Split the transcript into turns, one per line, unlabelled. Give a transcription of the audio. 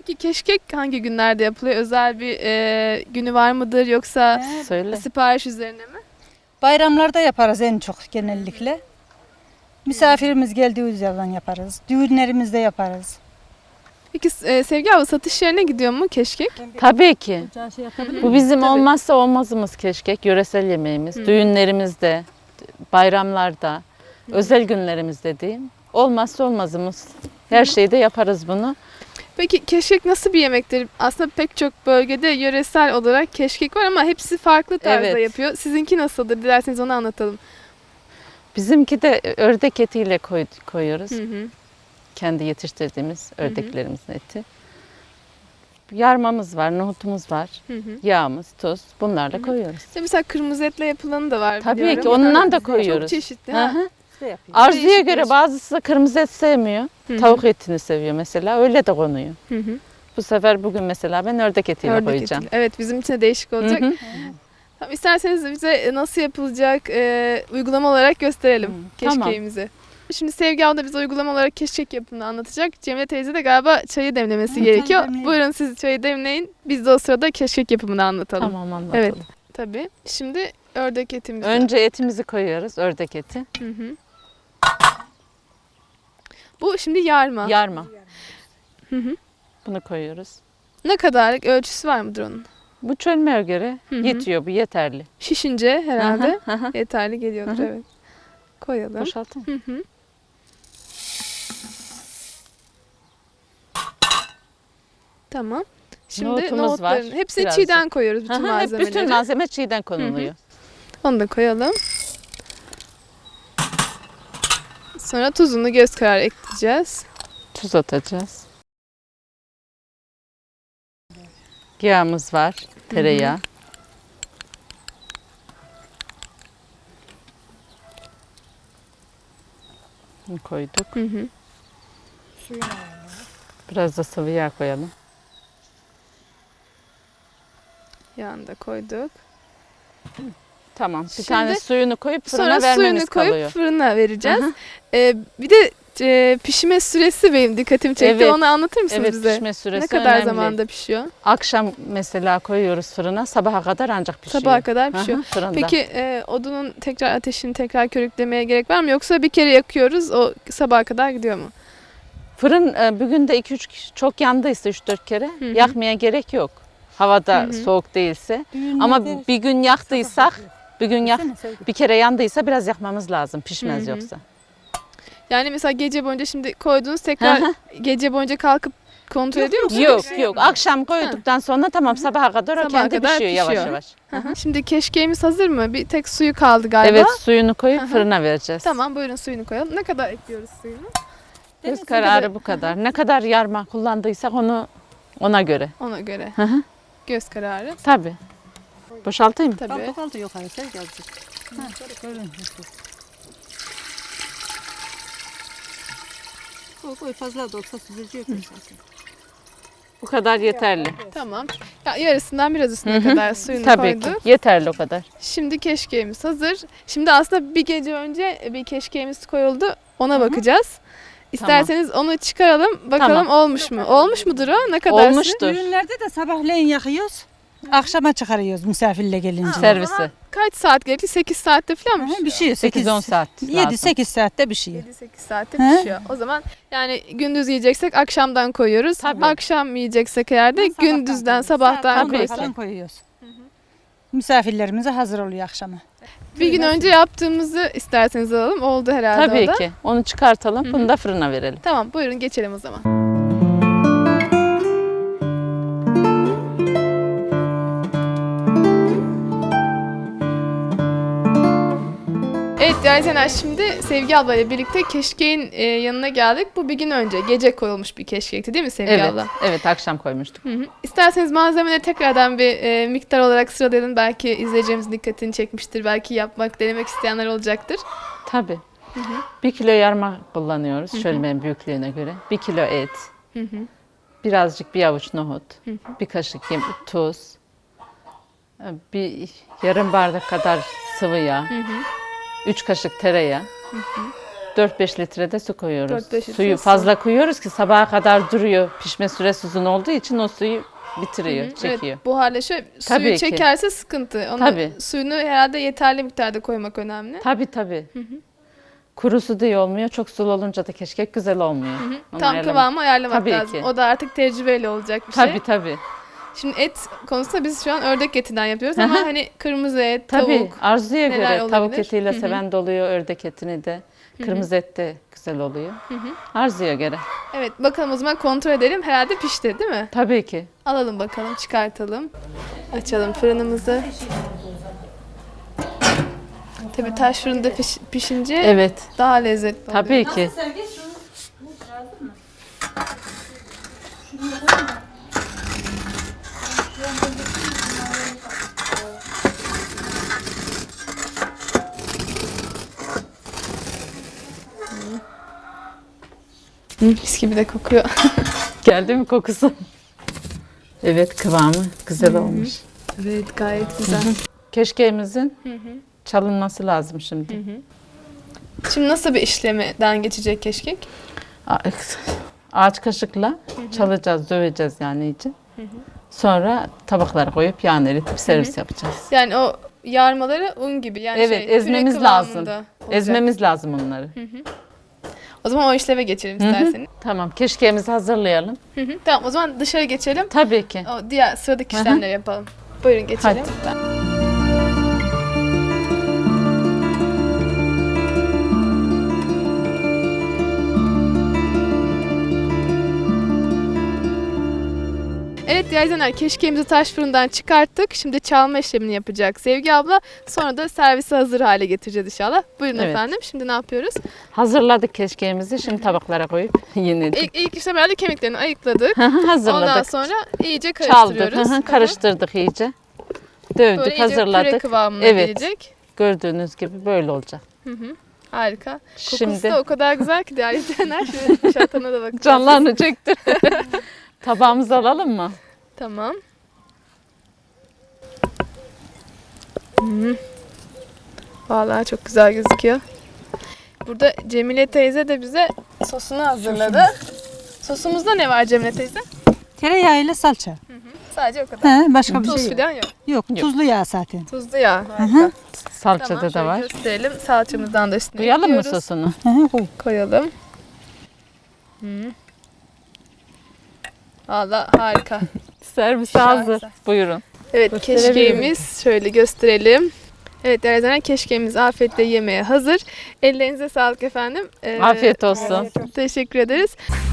Peki keşkek hangi günlerde yapılıyor? Özel bir günü var mıdır yoksa
Söyle.
sipariş üzerine mi?
Bayramlarda yaparız en çok genellikle. Misafirimiz geldiği zaman yaparız. Düğünlerimizde yaparız.
Peki Sevgi abla satış yerine gidiyor mu keşkek?
Tabii ki. Bu bizim
Tabii.
olmazsa olmazımız keşkek. Yöresel yemeğimiz. Düğünlerimizde, bayramlarda, özel günlerimizde diyeyim. Olmazsa olmazımız. Her şeyde yaparız bunu.
Peki keşkek nasıl bir yemektir? Aslında pek çok bölgede yöresel olarak keşkek var ama hepsi farklı tarzda
Evet.
yapıyor. Sizinki nasıldır? Dilerseniz onu anlatalım.
Bizimki de ördek etiyle koyuyoruz.
Hı hı.
Kendi yetiştirdiğimiz ördeklerimizin eti. Yarmamız var, nohutumuz var.
Hı hı.
Yağımız, tuz. Bunlarla koyuyoruz.
İşte mesela kırmızı etle yapılanı da var
Tabii
biliyorum.
ki ondan da
Çok
koyuyoruz.
çeşitli.
Hı
Ha.
hı.
Değişik
Arzuya
değişik.
göre bazısı da kırmızı et sevmiyor.
Hı hı.
Tavuk etini seviyor mesela. Öyle de konuyor.
Hı hı.
Bu sefer bugün mesela ben ördek etiyle
Ördek
koyacağım.
etiyle. Evet, bizim için de değişik olacak.
Hı hı.
Tamam, isterseniz bize nasıl yapılacak uygulama olarak gösterelim
Tamam.
keşkeğimizi. Şimdi Sevgi abla bize uygulama olarak keşkek yapımını anlatacak. Cemile teyze de galiba çayı demlemesi gerekiyor.
demleyelim.
Buyurun siz çayı demleyin. Biz de o sırada keşkek yapımını anlatalım.
Tamam anlatalım.
Evet. Tabii. Şimdi ördek etimizi.
Önce etimizi koyuyoruz, ördek eti.
Hı hı. Bu şimdi yarma.
Yarma.
Hı hı.
Bunu koyuyoruz.
Ne kadarlık ölçüsü var mıdır onun?
Bu çölmeye göre
Hı hı.
yetiyor, bu yeterli.
Şişince herhalde
Hı hı.
yeterli geliyordur.
Hı hı.
Evet. Koyalım.
Boşaltın.
Hı hı. Tamam. Şimdi
Nohutumuz var,
nohutların hepsini
birazcık.
çiğden koyuyoruz bütün
Hı hı, hep
malzemeleri.
bütün malzeme çiğden konuluyor.
Onu da koyalım. Sonra tuzunu göz kararı ekleyeceğiz.
Tuz atacağız. Yağımız var, tereyağı. Bunu koyduk.
Hı hı.
Biraz da sıvı yağ koyalım.
Yağını da koyduk.
Tamam. Bir
Şimdi
tane suyunu koyup fırına
Sonra
vermemiz
suyunu koyup
kalıyor.
fırına vereceğiz.
Hı hı.
Bir de pişme süresi benim dikkatimi çekti.
Evet.
Onu anlatır mısınız
Evet,
bize?
pişme süresi
Ne kadar
önemli.
zamanda pişiyor?
Akşam mesela koyuyoruz fırına, sabaha kadar ancak pişiyor.
Sabaha kadar
Hı hı,
pişiyor.
fırında.
Peki odunun tekrar ateşini tekrar körüklemeye gerek var mı? Yoksa bir kere yakıyoruz o sabaha kadar gidiyor mu?
Fırın bugün de 2-3 çok yandıysa 3-4 kere
hı.
yakmaya gerek yok. Havada
Hı hı.
soğuk değilse. Ama bir gün yaktıysak, bir kere yandıysa biraz yakmamız lazım. Pişmez
Hı hı.
yoksa.
Yani mesela gece boyunca şimdi koydunuz tekrar
Hı hı.
gece boyunca kalkıp kontrol ediyor musunuz?
Yok. Akşam koyduktan sonra tamam sabaha kadar o
Sabaha
kendi
kadar
pişiyor yavaş
pişiyor.
yavaş.
Hı hı. Şimdi keşkeğimiz hazır mı? Bir tek suyu kaldı galiba.
Evet, suyunu koyup
Hı hı.
fırına vereceğiz.
Tamam, buyurun suyunu koyalım. Ne kadar ekliyoruz suyunu?
Göz kararı bu kadar. Ne kadar yarma kullandıysak ona göre.
Ona göre.
Hı hı.
Göz kararı.
Tabii. Boşaltayım mı?
Tabii.
Kaldı yok hayır gelecek. Koy fazla da olsa süzülecek zaten.
Bu kadar yeterli.
Tamam. Ya, yarısından biraz üstüne kadar suyunu
Tabii ki.
koyduk.
Yeterli o kadar.
Şimdi keşkeğimiz hazır. Şimdi aslında bir gece önce bir keşkeğimiz koyuldu. Ona bakacağız. İsterseniz onu çıkaralım. Bakalım
Tamam.
olmuş mu? Olmuş mudur o? Ne kadar?
Olmuştur.
Düğünlerde de sabahleyin yakıyoruz. Akşama çıkarıyoruz misafirle gelince.
Servisi.
Kaç saat gerekli? 8 saatte falan mı?
Bir şey
8-10 saat lazım.
7-8 saatte bir şey.
7-8 saatte
He?
pişiyor. O zaman yani gündüz yiyeceksek akşamdan koyuyoruz.
Tabii.
Akşam yiyeceksek eğer de gündüzden, sabahtan
Tabii
koyuyoruz.
ki.
falan koyuyoruz. Misafirlerimize hazır oluyor akşama.
Bir gün önce yaptığımızı isterseniz alalım. Oldu herhalde
Tabii
o da.
ki. Onu çıkartalım. Bunu da fırına verelim.
Tamam, buyurun geçelim o zaman. Evet değerli izleyenler, şimdi Sevgi abla ile birlikte keşkeğin yanına geldik. Bu bir gün önce gece koyulmuş bir keşkekti değil mi Sevgi
Evet.
abla?
Evet, akşam koymuştuk.
Hı hı. İsterseniz malzemeleri tekrardan bir miktar olarak sıralayalım. Belki izleyeceğimizin dikkatini çekmiştir. Belki yapmak, denemek isteyenler olacaktır.
Tabii. 1 kilo yarma kullanıyoruz şölmenin büyüklüğüne göre. 1 kilo et. Birazcık bir avuç nohut. Bir kaşık tuz. Bir yarım bardak kadar sıvı yağ. 3 kaşık tereyağı. 4-5 litre de su koyuyoruz.
4-5 litre
Suyu
su.
fazla koyuyoruz ki sabaha kadar duruyor. Pişme süresi uzun olduğu için o suyu bitiriyor, çekiyor.
Evet, buharlaşıyor.
Tabii
Suyu
ki.
çekerse sıkıntı. Onu,
Tabii.
Suyunu herhalde yeterli miktarda koymak önemli.
Tabii. Kuru su da iyi olmuyor. Çok sulu olunca da keşkek güzel olmuyor. Onu
Tam
ayarlamak-
kıvamı ayarlamak
Tabii
lazım.
ki.
O da artık tecrübeyle olacak bir şey.
Tabii.
Şimdi et konusunda biz şu an ördek etinden yapıyoruz ama hani kırmızı et,
Tabii.
tavuk.
Arzuya
neler
göre tavuk
olabilir?
etiyle seven de oluyor, ördek etini de. Kırmızı et de güzel oluyor. Arzuya göre.
Evet, bakalım o zaman kontrol edelim. Herhalde pişti değil mi?
Tabii ki.
Alalım bakalım, çıkartalım. Açalım fırınımızı. Tabii taş fırında pişince
Evet.
daha lezzetli oluyor.
Tabii ki.
Mis gibi de kokuyor.
Geldi mi kokusu? Evet, kıvamı güzel olmuş.
Evet, gayet güzel.
Keşkeğimizin çalınması lazım şimdi.
Şimdi nasıl bir işlemden geçecek keşkek?
Ağaç kaşıkla çalacağız, döveceğiz yani iyice. Sonra tabaklara koyup yağını eritip servis yapacağız.
Yani o yarmaları un gibi yani
Evet,
püre
ezmemiz
kıvamında
lazım.
olacak.
Ezmemiz lazım onları.
O zaman o işleve geçelim isterseniz.
Tamam, keşkeğimizi hazırlayalım.
Tamam, o zaman dışarı geçelim.
Tabii ki.
O diğer sıradaki işlemleri yapalım. Buyurun geçelim. Evet değerli izleyenler, keşkeğimizi taş fırından çıkarttık. Şimdi çalma işlemini yapacak Sevgi abla. Sonra da servise hazır hale getireceğiz inşallah. Buyurun
Evet.
efendim. Şimdi ne yapıyoruz?
Hazırladık keşkeğimizi. Şimdi tabaklara koyup yenedik.
İlk işlem herhalde kemiklerini ayıkladık.
Hazırladık.
Ondan sonra iyice
Çaldık.
karıştırıyoruz.
Karıştırdık iyice.
Böyle
Dövdük,
iyice püre
hazırladık.
kıvamına
Evet.
gelecek.
Gördüğünüz gibi böyle olacak.
Harika. Kokusu
Şimdi
da o kadar güzel ki değerli izleyenler. Şöyle şatana da bakın.
canlarını çektir. Tabağımızı alalım mı?
Tamam. Vallahi çok güzel gözüküyor. Burada Cemile teyze de bize sosunu hazırladı. Sosumuzda ne var Cemile teyze?
Tereyağı ile salça.
Sadece o kadar.
He, başka bir
Tuz
şey yok.
falan yok.
Yok, tuzlu yağ zaten.
Tuzlu yağ. Harika.
Salçada
Tamam,
da
şöyle
var.
gösterelim. Salçamızdan da üstüne
Koyalım mı
ekliyoruz.
sosunu?
Koy.
Koyalım. Valla harika.
Servise hazır.
Şahane.
Buyurun.
Evet,
Gösterebilirim.
keşkeğimiz şöyle gösterelim. Evet değerli izleyenler, keşkeğimiz afiyetle yemeye hazır. Ellerinize sağlık efendim.
Afiyet olsun.
Teşekkür ederiz.